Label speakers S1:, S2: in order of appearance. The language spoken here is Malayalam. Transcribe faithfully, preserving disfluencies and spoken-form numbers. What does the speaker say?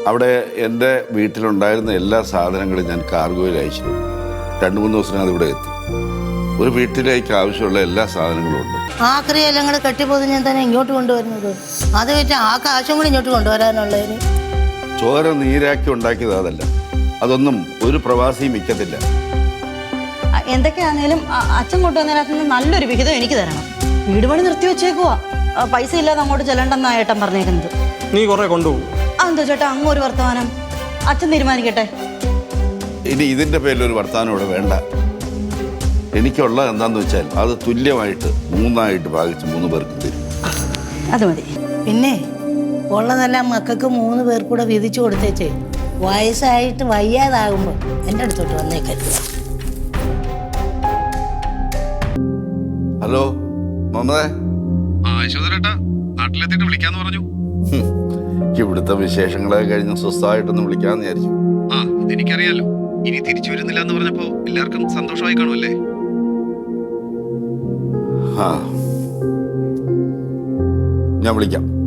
S1: അവിടെ എൻ്റെ വീട്ടിലുണ്ടായിരുന്ന എല്ലാ സാധനങ്ങളും ഞാൻ കാർഗോയിൽ അയച്ചു. രണ്ട് മൂന്ന് ദിവസത്തിനകത്ത് ഇവിടെ എത്തും. ഒരു വീട്ടിലേക്ക് ആവശ്യമുള്ള എല്ലാ സാധനങ്ങളും ഉണ്ട്.
S2: ആക്രിയെല്ലാം കൂടെ കെട്ടിപ്പോന്ന് ഞാൻ തന്നെ ഇങ്ങോട്ട് കൊണ്ടുവരുന്നത്. അത് വെച്ച് ആ കാശും കൂടി ഇങ്ങോട്ട് കൊണ്ടുവരാനുള്ളതിന്.
S1: ചോര നീരാക്കി ഉണ്ടാക്കിയത് അതല്ല. അതൊന്നും ഒരു പ്രവാസിയും മിക്കത്തില്ല.
S3: എന്തൊക്കെയാണേലും അച്ഛൻ കൊണ്ടുവന്നതിനകത്ത് നല്ലൊരു വിഹിതം എനിക്ക് തരണം. വീട് പണി നിർത്തി വെച്ചേക്കുവാ. പൈസ ഇല്ലാതെ അങ്ങോട്ട് ചെല്ലണ്ടെന്നാ ഏട്ടൻ പറഞ്ഞേക്കുന്നത്.
S4: നീ കുറെ കൊണ്ടുപോകും.
S3: അതെന്തോ ചേട്ടാ അങ്ങ് ഒരു വർത്തമാനം? അച്ഛൻ തീരുമാനിക്കട്ടെ.
S1: ഇനി ഇതിൻ്റെ പേരിലൊരു വർത്തമാനം ഇവിടെ വേണ്ട. എനിക്കുള്ളത് എന്താന്ന് വെച്ചാൽ അത് തുല്യമായിട്ട് മൂന്നായിട്ട് ഭാഗിച്ച് മൂന്ന് പേർക്ക് തരും.
S3: അത് മതി.
S2: പിന്നെ ഉള്ളതെല്ലാം മക്കൾക്ക് മൂന്ന് പേർ കൂടെ വിധിച്ചു കൊടുത്തേച്ചേ. വയസ്സായിട്ട് വയ്യാതാകുമ്പോൾ എൻ്റെ അടുത്തോട്ട് വന്നേക്കരുത്.
S1: ഹലോ മമതേ.
S5: നാട്ടിലെത്തിയിട്ട് വിളിക്കാന്ന് പറഞ്ഞു.
S1: ഇവിടുത്തെ വിശേഷങ്ങളൊക്കെ കഴിഞ്ഞ് സ്വസ്ഥമായിട്ടൊന്ന് വിളിക്കാന്ന് വിചാരിച്ചു.
S5: ആ അതെനിക്കറിയാലോ. ഇനി തിരിച്ചു വരുന്നില്ല എന്ന് പറഞ്ഞപ്പോ എല്ലാവർക്കും സന്തോഷമായി കാണുമല്ലേ?
S1: ആ ഞാൻ വിളിക്കാം.